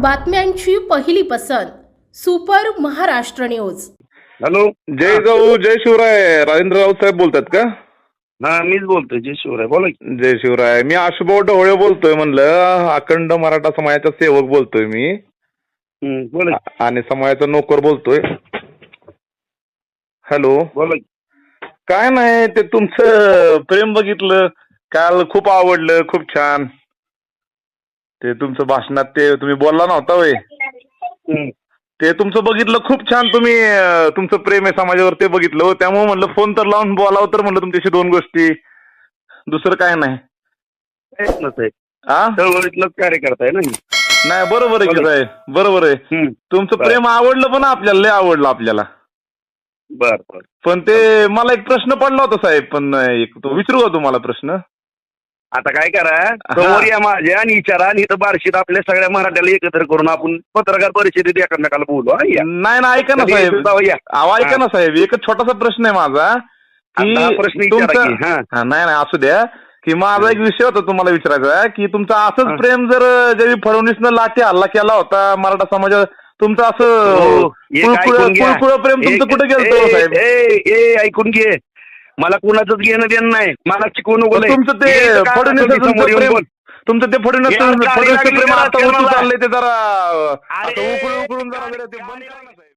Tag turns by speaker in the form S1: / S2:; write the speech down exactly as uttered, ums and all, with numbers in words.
S1: बातम्यांची पहिली पसंत सुपर महाराष्ट्र न्यूज।
S2: हॅलो,
S3: जय जाऊ जय शिवराय. राजेंद्र राऊत साहेब बोलतात का?
S2: हा मीच बोलतोय. जय शिवराय, बोला की.
S3: जय शिवराय. मी आशुभाऊ ढवळे बोलतोय. म्हणलं अखंड मराठा समाजाचा सेवक बोलतोय मी.
S2: हम्म, बोला की.
S3: आ- आणि समाजाचा नोकर बोलतोय. हॅलो,
S2: बोला की.
S3: काय नाही, ते तुमचं प्रेम बघितलं काल, खूप आवडलं, खूप छान. ते तुमचं भाषणात ते तुम्ही बोलला नव्हता वय,
S2: हम्म.
S3: ते तुमचं बघितलं, खूप छान. तुम्ही अं, तुमचं प्रेम आहे समाजावर ते बघितलं हो. त्यामुळे म्हणलं फोन तर लावून बोलावं, तर म्हणलं तुमच्याशी दोन गोष्टी, दुसरं काय नाही.
S2: प्रयत्नच आहे.
S3: हा
S2: चळवळीतलंच कार्यकर्ता आहे ना मी.
S3: नाही, बरोबर आहे की साहेब, बरोबर आहे.
S2: हम्म.
S3: तुमचं
S2: बरं.
S3: प्रेम आवडलं पण आपल्याला, लय आवडलं आपल्याला.
S2: बर बर.
S3: पण ते मला एक प्रश्न पडला होता साहेब, पण एक तो विचारू का तुम्हाला प्रश्न?
S2: आता काय करा, समोर या माझ्या आणि विचारा, आणि इथं बार्शीत आपल्या सगळ्या मराठ्याला एकत्र करून आपण पत्रकार परिषदेत एकमेकाला बोलू. हा, या.
S3: नाही ना, ऐका ना
S2: कधी
S3: साहेब,
S2: येतो या.
S3: अहो ऐका ना साहेब, एकच छोटासा प्रश्न आहे माझा की
S2: आता हा प्रश्न विचारा
S3: तुमचा-
S2: की. हा.
S3: हा, नाही नाही असू द्या, की माझा एक विषय होता तुम्हाला विचारायचा, की तुमचं
S2: हा.
S3: असंच प्रेम जर ज्यावेळी फडणवीसनं लाठी हल्ला केला होता मराठा समाजात, तुमचं असं
S2: हो, एक
S3: कुळकुळ
S2: ऐकून घ्या.
S3: कुळकुळ प्रेम तुमचं
S2: एक-
S3: कुठे गेलं
S2: ए-
S3: साहेब?
S2: ए- ए, ऐकून घे. मला कुणाचंच घेणं देणं नाही. मला शिकवू नको लय.
S3: तुमचं ते
S2: हे काय
S3: फडणवीस
S2: आता तुम्ही समोर येऊन
S3: प्रेम,
S2: बोल.
S3: तुमचं ते फडणवीस
S2: यार, गाडी
S3: फडणवीसचं
S2: लागली
S3: प्रेम
S2: जरा
S3: आता उतू
S2: मला.
S3: चाललंय, ते जरा
S2: अरे,
S3: आता उकळून उकळून जरा ते बंद करा ना साहेब.